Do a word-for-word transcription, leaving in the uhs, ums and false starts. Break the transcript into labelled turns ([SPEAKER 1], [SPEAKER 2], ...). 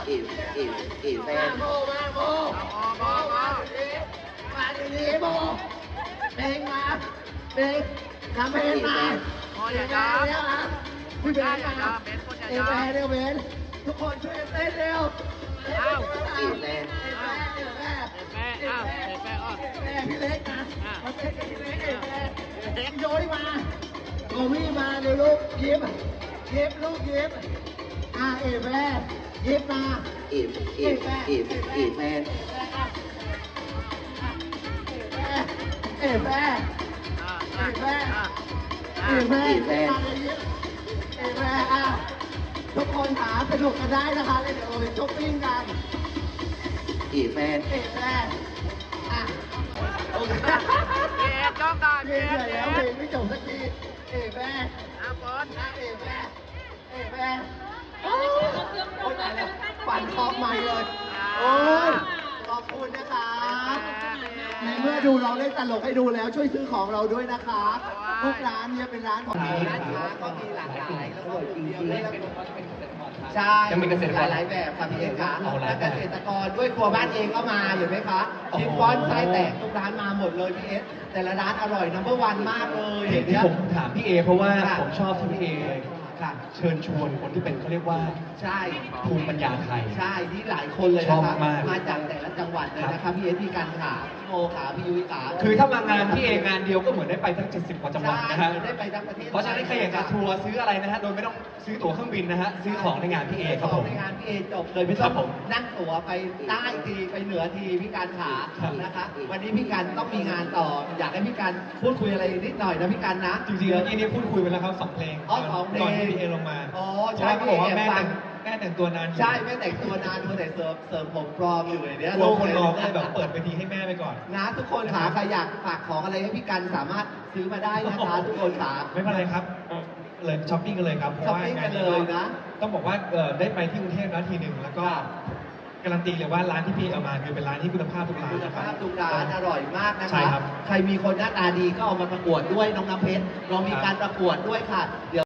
[SPEAKER 1] อีอีอีแฟนโมมาโมโมมาดีมาดีโมเพลงมาเพลงทำเพลงมาเพลงมาเนี่ยนะพี่เบนมาเอแฟนเร็วเบนทุกคนช่วยเต้นเร็วอ้าวอีแฟนเอแฟนเอแฟนเอแฟนอ้าวเอแฟนอ้าวเอแฟนพี่เล็กนะมาเต้นกับพี่เล็กเอแฟนเล็กโยนมาโอ้พี่มาเร็วลูกยิ้มยิ้มลูกยิ้มอ่าเอแฟนยิ้มมาอีอีอีอีแฟนเอแฟนเอแฟนเอแฟนเอแฟนเอแฟนอ่ะทุกคนหาสนุกกันได้นะคะเดี๋ยวเราไปช้อปปิ้งกันอีแฟนเอแฟนอ่ะโอเคเอจ้องก่อนเอแล้วเพลงไม่จบสักทีเอแฟนอ่ะบอลเอแฟนเอแฟนโอ้ยตายแล้วปั่นคอใหม่เลยโอ้ยขอบคุณนะคะในเมื่อดูเราเล่นตลกให้ดูแล้วช่วยซื้อของเราด้วยนะคะทุกร้านเนี่ยเป็นร้านของร้านค้าก็มีหลากหลายแล้วก็กลุ่มเดียวเลยใช่ยังมีเกษตรกรหลายแบบค่ะพี่เอกค่ะและเกษตรกรด้วยครัวบ้านเองก็มาเห็นไหมคะชิฟฟ่อนไส้แตกทุกร้านมาหมดเลยพี่เอสแต่ละร้านอร่อยนัมเบอร์วันมากเลย
[SPEAKER 2] ที่ผมถามพี่เอเพราะว่าผมชอบที่พี่เอค่ะเชิญชวนคนที่เป็นเขาเรียกว่า
[SPEAKER 1] ใช่
[SPEAKER 2] ภูมิปัญญาไทย
[SPEAKER 1] ใช่ที่หลายคนเลยนะคะมาจากแต่ละจังหวัดเลยนะคะพี่เอพี่กันขาพี่โมขาพี่ยุ้ยขา
[SPEAKER 2] คือถ้ามางานพี่เองานเดียวก็เหมือนได้ไปทั้งเจ็ดสิบกว่าจังหวัดนะฮะ
[SPEAKER 1] ได้ไปทั้งประเทศ
[SPEAKER 2] เพราะฉะนั้นใครอยากจะทัวร์ซื้ออะไรนะฮะโดยไม่ต้องซื้อตั๋วเครื่องบินนะฮะซื้อของในงานพี่เอครับผม
[SPEAKER 1] ในงานพี่เอจบเลยไม่ต้องนั่งตั๋วไปใต้ทีไปเหนือทีพี่การขานะคะวันนี้พี่กันต้องมีงานต่ออยากให้พี่กันพูดคุยอะไรนิดหน่อยนะพี่กันนะ
[SPEAKER 2] จริงๆแล้วที่นี้พูดคุยไปแล้วครับสองเพลง
[SPEAKER 1] อ๋อสองเพลง
[SPEAKER 2] ก่อนที่พี่เอลงมา
[SPEAKER 1] อ๋อ
[SPEAKER 2] ใช่เขาบอกว่าแม่แต่งแม่แต่งตัวนาน
[SPEAKER 1] ใช่แม่แต่งตัวนานตัวแต่เสริมเสริมผมปลอมอยู่อย่างเนี้ย
[SPEAKER 2] กลัวคนรอก็เลยแบบเปิดไปทีให้แม่ไปก่อน
[SPEAKER 1] นะทุกคนขาใครอยากฝากของอะไรให้พี่กันสามารถซื้อมาได้นะคะทุกคนขา
[SPEAKER 2] ไม่เป็นไรครับเลยช้อปปิ้งกันเลยครับเพราะว่างานนี้ต้องบอกว่าได้ไปที่กรุงเทพแล้วทีหนึ่งแล้วก็การันตีเลยว่าร้านที่พี่เอามาคือเป็นร้านที่คุณภาพทุกร้าน
[SPEAKER 1] คุณภาพทุกร้านอร่อยมากนะค
[SPEAKER 2] ะ
[SPEAKER 1] ใครมีคนหน้าตาดีก็เอามาประกวดด้วยน้องน้ำเพชรเรามีการประกวดด้วยค่ะเดี๋ยว